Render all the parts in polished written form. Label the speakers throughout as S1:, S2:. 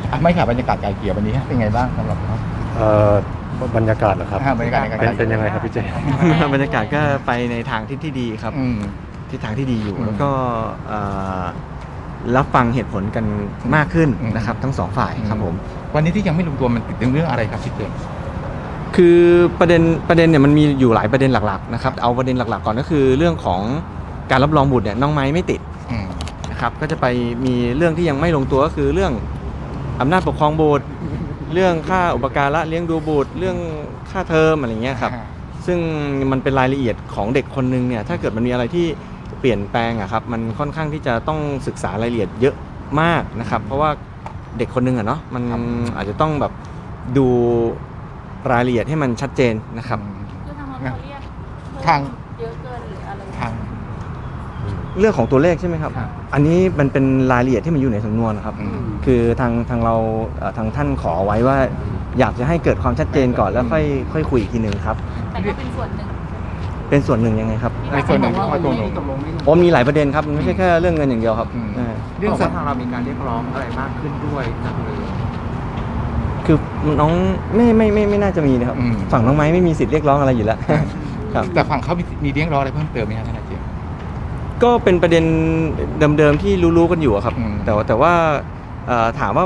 S1: ไม่ค่ะบรรยากาศไกลเกลี่ยวันนี้เป็นไงบ้างสำหรับเขา
S2: บรรยากาศเหรอครับ
S1: บรรยากาศ
S2: เป็นยังไงครับพี่เจ
S3: บรรยากาศก็ไปในทางที่ดีครับทิศทางที่ดีอยู่แล้วก็รับฟังเหตุผลกันมากขึ้นนะครับทั้งสองฝ่ายครับผม
S1: วันนี้ที่ยังไม่ลงตัวมันติดเรื่องอะไรครับพี่เจ
S3: คือประเด็นเนี่ยมันมีอยู่หลายประเด็นหลักๆนะครับเอาประเด็นหลักๆก่อนก็คือเรื่องของการรับรองบุตรเนี่ยน้องไม้ไม่ติดนะครับก็จะไปมีเรื่องที่ยังไม่ลงตัวก็คือเรื่องอำนาจปกครองบุตรเรื่องค่าอุปการะเลี้ยงดูบุตรเรื่องค่าเทอมอะไรเงี้ยครับซึ่งมันเป็นรายละเอียดของเด็กคนนึงเนี่ยถ้าเกิดมันมีอะไรที่เปลี่ยนแปลงอะครับมันค่อนข้างที่จะต้องศึกษารายละเอียดเยอะมากนะครับเพราะว่าเด็กคนนึงอะเนาะมันอาจจะต้องแบบดูรายละเอียดให้มันชัดเจนนะครับ
S1: ทาง
S4: เยอะเกินหรืออะไร
S1: ทาง
S3: เรื่องของตัวเลขใช่ไหมครับอันนี้มันเป็นรายละเอียดที่มันอยู่ในสำนวนนะครับคือทางเราทางท่านขอไว้ว่าอยากจะให้เกิดความชัดเจนก่อนแล้วค่อยคุยอีกทีนึงครับ
S4: แต่ก็เป็นส่วนหนึ่ง
S3: ยังไงครับ
S1: ในส่วนหนึ่งว่า
S3: มีหลายประเด็นครับมันไม่ใช่แค่เรื่องเงินอย่างเดียวครับ
S5: เรื่องทางเรามีการเรียกร้องอะไรมากขึ้นด้วยจากเลย
S3: คือน้องไม่น่าจะมีนะครับฝั่งน้องไม้ไม่มีสิทธิ์เรียกร้องอะไรอยู่แล้วครับ
S1: แต่ฝั่งเขามีเรียกร้องอะไรเพิ่มเติมไหมครับท่านอาจารย์
S3: ก็เป็นประเด็นเดิมๆที่รู้ๆกันอยู่ครับแต่ว่าถามว่า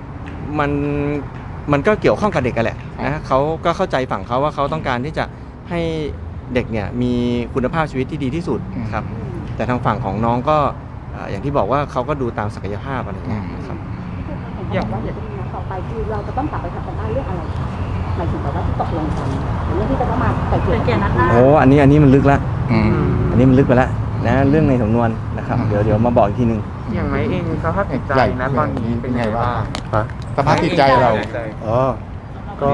S3: มันก็เกี่ยวข้องกับเด็กกันแหละนะเขาก็เข้าใจฝั่งเขาว่าเขาต้องการที่จะให้เด็กเนี่ยมีคุณภาพชีวิตที่ดีที่สุดครับแต่ทางฝั่งของน้องก็อย่างที่บอกว่าเขาก็ดูตามศักยภาพอะไรอย่างเงี้ยครับ
S4: อย่างว่าเดี๋ยวต่อไปคือเราจะต้องกลับไปทำกันบ้านเรื่องอะไรคะหมายถึงแบบว่าที่ตกลงกันเรื่องที่จะต้องมาไกลเกลี่ยนัดหน้า
S3: อันนี้มันลึกละอันนี้มันลึกไปแล้วนะเรื่องในสำนวนนะครับเดี๋ยวมาบอกอีกทีนึง
S5: อย่างไรเองสภาพจิตใจนะตอนนี้เป็นไงบ้าง
S1: สภาพจิตใจเรา
S2: ก็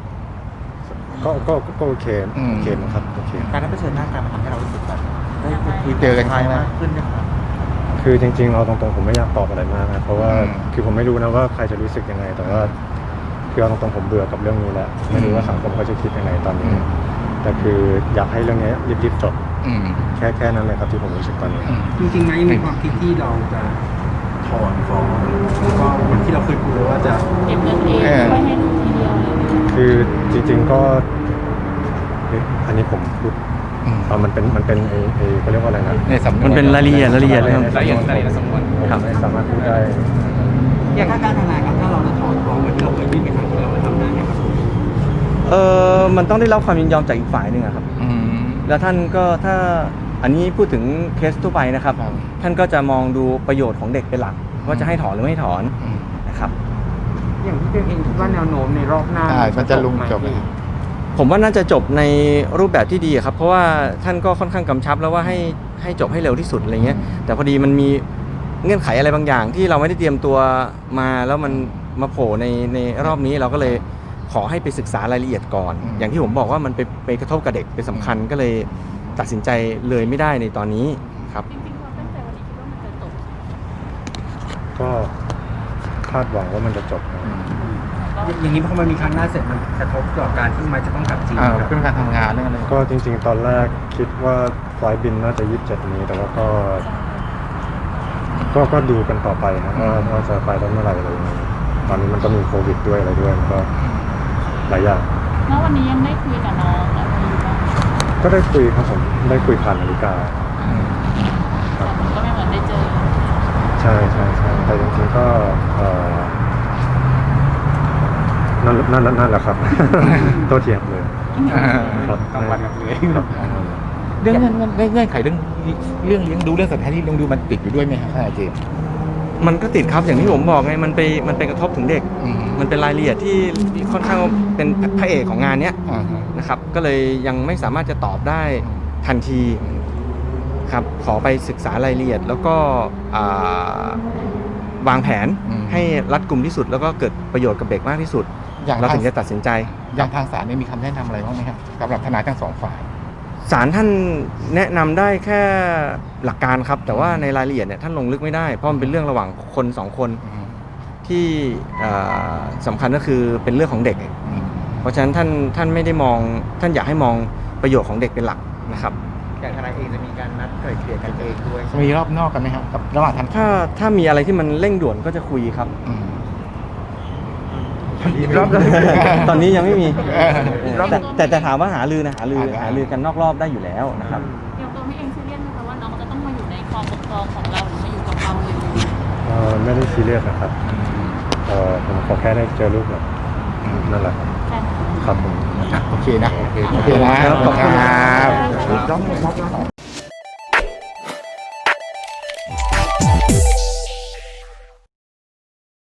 S2: โอเคนะครับโอเค
S5: การได้เผชิญหน้ากันมันทำให้เรารู้สึกแบบได้
S1: คุยเจอกันครั้งแรก
S5: ขึ้นนะครับ
S2: คือจริงๆเอาตรงๆผมไม่อยากตอบอะไรมากนะเพราะว่าคือผมไม่รู้นะว่าใครจะรู้สึกยังไงแต่ว่าคือเอาตรงๆผมเบื่อกับเรื่องนี้แล้วไม่รู้ว่าสังคมเขาจะคิดยังไงตอนนี้แต่คืออยากให้เรื่องนี้รีบๆจบแค่นั้นเลยครับที่ผมรู้สึกตอนนี้
S5: จริงๆไหมมีความคิดที่เราจะถอนฟ้องก็เหมือนที่เราเคยพูดว่าจะ
S4: เก็บเงินเองไม่ให้ลูกทีเดียว
S2: คือจริงๆก็อันนี้ผมพูดมันเป็นเขาเรียกว่าอะไรนะ
S3: มันเป็นรายละเอียด
S5: รายละเอียดสำนวน
S2: ครับไม่สามารถพูดได้
S5: อย่างการทนายครับถ้าเราจะถอนฟ้องเหมือนที่เราเคยยื่นไปครั้งที่เราทำได้ไหมครับ
S3: มันต้องได้รับความยินยอมจากอีกฝ่ายหนึ่งครับแล้วท่านก็ถ้าอันนี้พูดถึงเคสทั่วไปนะครับท่านก็จะมองดูประโยชน์ของเด็กเป็นหลักว่าจะให้ถอนหรือไม่ถอนนะครับ
S5: อย่างที่เองคิดว่าแนวโน้มในรอบหน้า
S1: มันจะลงจบ
S3: ผมว่าน่าจะจบในรูปแบบที่ดีครับเพราะว่าท่านก็ค่อนข้างกำชับแล้วว่าให้จบให้เร็วที่สุดอะไรเงี้ยแต่พอดีมันมีเงื่อนไขอะไรบางอย่างที่เราไม่ได้เตรียมตัวมาแล้วมันมาโผล่ในรอบนี้เราก็เลยขอให้ไปศึกษารายละเอียดก่อนอย่างที่ผมบอกว่ามันไปกระทบกับเด็กเป็นสำคัญก็เลยตัดสินใจเลยไม่ได้ในตอนนี้ครับ
S4: จริงๆความตั้งใจวันนี้คิดว่ามันจะจบ
S2: ก็คาดหวังว่ามันจะจบ
S5: อย่างนี้พอมันมีครั้งหน้าเสร็จมันกระทบต่อการที่มันจะต้องกลับจีน
S1: เรื่องการทำงานเรื่องอะไร
S2: ก็จริงๆตอนแรกคิดว่าไฟล์บินน่าจะ27นี้แต่ว่าก็ดูกันต่อไปนะว่าจะไปได้เมื่อไหร่อะไรอย่างเงี้ยตอนนี้มันก็มีโควิดด้วยอะไรด้วยก็หลายอย่าง
S4: แล้ววันนี้ยังได้คุยกับน้องอะไรอยู่บ้าง
S2: ก็ได้คุยครับผมได้คุยผ่านนาฬิกา
S4: ครับก็ไม่เหมือนได้เจอ
S2: ใช่แต่จริงๆก็นั่นแหละครับโตเถียงเลยครับ
S1: กลางวันกับเลยเรื่องเงื่อนไขเรื่องเลี้ยงดูเรื่องสถานที่เลี้ยงดูมันติดอยู่ด้วยไหมครับท่านอาจารย์
S3: มันก็ติดครับอย่างที่ผมบอกไงมันไปกระทบถึงเด็กมันเป็นรายละเอียดที่ค่อนข้างเป็นพระเอกของงานเนี้ยนะครับก็เลยยังไม่สามารถจะตอบได้ทันทีครับขอไปศึกษารายละเอียดแล้วก็วางแผนให้รัดกุมที่สุดแล้วก็เกิดประโยชน์กับเด็กมากที่สุดเราถึงจะตัดสินใจ
S1: อย่างทางศาลมีคำแนะนำอะไรบ้างไหมครับสำหรับทนายทั้งสองฝ่าย
S3: ศาลท่านแนะนำได้แค่หลักการครับแต่ว่าในรายละเอียดเนี่ยท่านลงลึกไม่ได้เพราะมันเป็นเรื่องระหว่างคนสองคนที่สำคัญก็คือเป็นเรื่องของเด็กเพราะฉะนั้นท่านไม่ได้มองท่านอยากให้มองประโยชน์ของเด็กเป็นหลักนะครับ
S5: อย่างทนายเองจะมีการนัดไกล่เกลี่ยกันเองด้วย
S1: มีรอบนอกกันไหมครับกับระหว่าง
S3: ถ้ามีอะไรที่มันเร่งด่วนก็จะคุยครับ
S1: อีกรอบเลย
S3: ตอนนี้ยังไม่มี
S1: รอบ
S3: แต่ถามว่าหารือกันนอกรอบได้อยู่แล้วนะครับ
S6: อย่างตัวพี่เองซีเรียสไหมคะว่าน้องจะต้องมาอยู่ในความปกครองของเราหรือมาอยู่กับเราเลย
S2: ไม่ได้ซีเรียสนะครับผมขอแค่ได้เจอลูกแบบนั่นแหละครับ
S6: ใช่ค่ะ
S2: ครับผม
S1: โอเคนะโอเคนะ
S3: ขอบคุณครับ
S1: ครับ